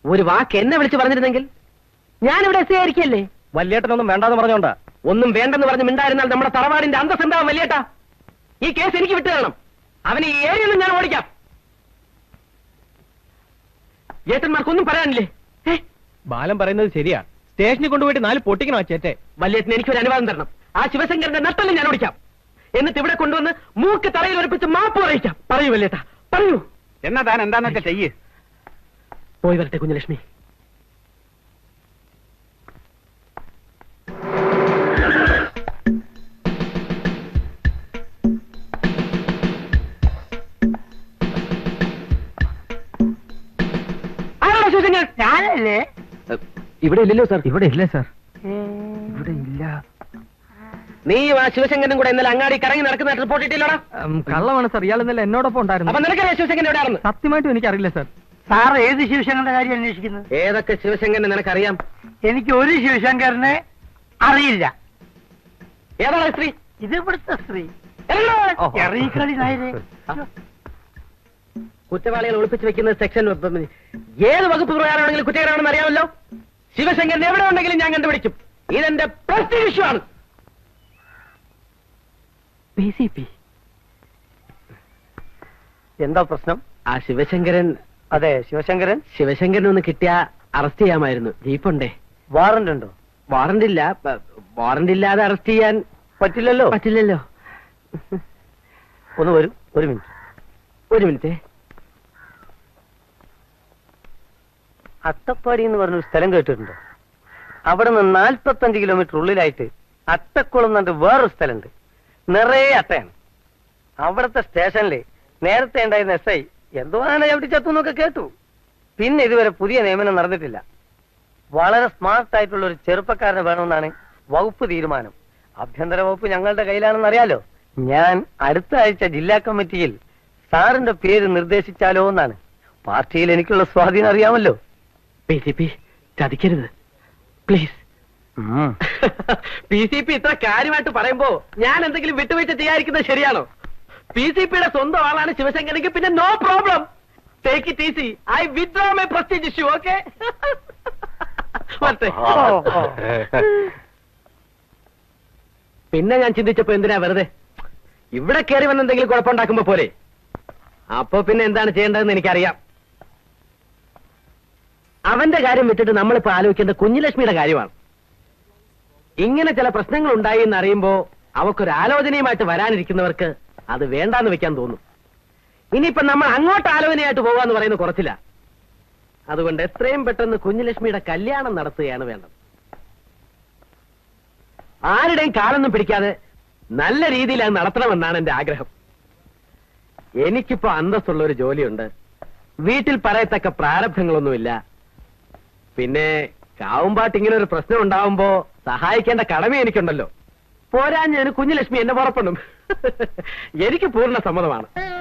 ഒരു വാക്ക് എന്നെ വിളിച്ച് പറഞ്ഞിരുന്നെങ്കിൽ ഞാനിവിടെ എസ് ആയിരിക്കല്ലേ. വല്യേട്ടനൊന്നും വേണ്ടാന്ന് പറഞ്ഞോണ്ടാ. ഒന്നും വേണ്ടെന്ന് പറഞ്ഞ് മിണ്ടായിരുന്നാൽ നമ്മുടെ തറവാടിന്റെ അന്തസ് എന്താവും വല്യേട്ടാ? ഈ കേസ് എനിക്ക് വിട്ടു തരണം. അവനെ ഈ ഏരിയയിലും ഞാൻ ഓടിക്കാം. ഏട്ടന്മാർക്കൊന്നും പറയാനില്ലേ? ബാലൻ പറയുന്നത് ശരിയാ. സ്റ്റേഷനിൽ കൊണ്ടുപോയിട്ട് 4 പൊട്ടിക്കണോ ചേറ്റെ? വല്യേട്ടന് എനിക്കൊരു അനുവാദം തരണം. ആ ശിവശങ്കരന്റെ നട്ടല് ഞാൻ ഓടിക്കാം. എന്നിട്ട് ഇവിടെ കൊണ്ടുവന്ന് മൂക്ക് തറയിൽ ഉറപ്പിച്ച് മാപ്പ് പറയിക്കാം. പറയൂ വല്യേട്ടാ, പറയൂ. എന്നാ താൻ എന്താന്ന് വെച്ചാൽ ചെയ്യ്. പോയി വരട്ടെ കുഞ്ഞലക്ഷ്മി. ഞാനല്ലേ? ഇവിടെ ഇല്ലല്ലോ സാർ. ഇവിടെ ഇല്ല സാർ. ഇവിടെ ഇല്ല. നീ ആ ശിവശങ്കരനും കൂടെ ഇന്നലെ അങ്ങാടി കറങ്ങി നടക്കുന്ന റിപ്പോർട്ട് ഇട്ടില്ലോടാ? കള്ളമാണ് സാർ. ഇയാൾ ഇന്നലെ എന്നോടൊപ്പം ഉണ്ടായിരുന്നു. അപ്പൊ നിനക്കറിയാം ശിവശങ്കരൻ എവിടെയാണെന്ന്? സത്യമായിട്ടും എനിക്കറിയില്ല സാർ. സാർ ഏത് ശിവശങ്കരന്റെ കാര്യം അന്വേഷിക്കുന്നത്? ഏതൊക്കെ ശിവശങ്കരനെ നിനക്കറിയാം? എനിക്ക് ഒരു ശിവശങ്കരനെ അറിയില്ല. ഏതാണ് സ്ത്രീ? ഇത് ഇവിടുത്തെ സ്ത്രീ. ഓഹോ. എറീക്കളി നായരെ. കുറ്റവാളികൾ ഒളിപ്പിച്ച് വെക്കുന്ന സെക്ഷൻ ഏത് വകുപ്പ് പ്രകാരമാണെങ്കിലും കുറ്റകരമാണെന്ന് അറിയാമല്ലോ. ശിവശങ്കരൻ എവിടെ ഉണ്ടെങ്കിലും ഞാൻ കണ്ടുപിടിക്കും. ഇതെന്റെ പ്രസ്റ്റീജ് ഇഷ്യൂ ആണ്. PCP എന്താ പ്രശ്നം? ആ ശിവശങ്കരൻ. അതെ, ശിവശങ്കരൻ. ശിവശങ്കരൻ ഒന്ന് കിട്ടിയാ അറസ്റ്റ് ചെയ്യാമായിരുന്നു. ജീപ്പുണ്ടേ? വാറന്റ് ഉണ്ടോ? വാറന്റ് ഇല്ല. വാറന്റ് ഇല്ലാതെ അറസ്റ്റ് ചെയ്യാൻ പറ്റില്ലല്ലോ. പറ്റില്ലല്ലോ. ഒന്ന് വരും. ഒരു മിനിറ്റ്. അട്ടപ്പാടി എന്ന് പറഞ്ഞൊരു സ്ഥലം കേട്ടിട്ടുണ്ടോ? അവിടെ നിന്ന് 45 കിലോമീറ്റർ ഉള്ളിലായിട്ട് അട്ടക്കുളം എന്നിട്ട് വേറൊരു സ്ഥലമുണ്ട്. നിറയെ അട്ടയാണ്. അവിടുത്തെ സ്റ്റേഷനില് നേരത്തെ ഉണ്ടായിരുന്ന SI എന്തോ ആന എവിടെ ചത്തുന്നൊക്കെ കേട്ടു. പിന്നെ ഇതുവരെ പുതിയ നിയമനം നടന്നിട്ടില്ല. വളരെ സ്മാർട്ട് ആയിട്ടുള്ള ഒരു ചെറുപ്പക്കാരനെ വേണമെന്നാണ് വകുപ്പ് തീരുമാനം. ആഭ്യന്തര വകുപ്പ് ഞങ്ങളുടെ കയ്യിലാണെന്ന് അറിയാലോ. ഞാൻ അടുത്ത ആഴ്ച ജില്ലാ കമ്മിറ്റിയിൽ സാറിന്റെ പേര് നിർദ്ദേശിച്ചാലോ എന്നാണ്. പാർട്ടിയിൽ എനിക്കുള്ള സ്വാധീനം അറിയാമല്ലോ. PCP ചതിക്കരുത് please. PCP ഇത്ര കാര്യമായിട്ട് പറയുമ്പോ ഞാൻ എന്തെങ്കിലും വിട്ടുവീഴ്ച ചെയ്യാതിരിക്കുന്നത് ശരിയാണോ? PCPയുടെ സ്വന്തം ആളാണ് ശിവശങ്കരനെങ്കിൽ പിന്നെ no problem. Take it easy. I withdraw my prestige issue. Okay? പിന്നെ ഞാൻ ചിന്തിച്ചപ്പോ എന്തിനാ വെറുതെ ഇവിടെ കയറി വന്ന് എന്തെങ്കിലും കുഴപ്പമുണ്ടാക്കുമ്പോ പോലെ. അപ്പൊ പിന്നെ എന്താണ് ചെയ്യേണ്ടതെന്ന് എനിക്കറിയാം. അവന്റെ കാര്യം വിട്ടിട്ട് നമ്മളിപ്പോ ആലോചിക്കേണ്ട കുഞ്ഞുലക്ഷ്മിയുടെ കാര്യമാണ്. ഇങ്ങനെ ചില പ്രശ്നങ്ങൾ ഉണ്ടായി എന്നറിയുമ്പോ അവക്കൊരു ആലോചനയുമായിട്ട് വരാനിരിക്കുന്നവർക്ക് അത് വേണ്ടാന്ന് വെക്കാൻ തോന്നും. ഇനിയിപ്പോ നമ്മൾ അങ്ങോട്ട് ആലോചനയായിട്ട് പോകാന്ന് പറയുന്നത് കുറച്ചില്ല. അതുകൊണ്ട് എത്രയും പെട്ടെന്ന് കുഞ്ഞുലക്ഷ്മിയുടെ കല്യാണം നടത്തുകയാണ് വേണ്ടത്. ആരുടെയും കാലൊന്നും പിടിക്കാതെ നല്ല രീതിയിൽ അത് നടത്തണമെന്നാണ് എന്റെ ആഗ്രഹം. എനിക്കിപ്പോ അന്തസ്സുള്ള ഒരു ജോലിയുണ്ട്. വീട്ടിൽ പറയത്തക്ക പ്രാരബ്ധങ്ങളൊന്നുമില്ല. പിന്നെ കാവുമ്പാട്ട് ഇങ്ങനെ ഒരു പ്രശ്നം ഉണ്ടാവുമ്പോ സഹായിക്കേണ്ട കടമ എനിക്കുണ്ടല്ലോ. പോരാഞ്ഞ് കുഞ്ഞുലക്ഷ്മി എന്നെ പുറപ്പെടും. എനിക്ക് പൂർണ്ണ സമ്മതമാണ്.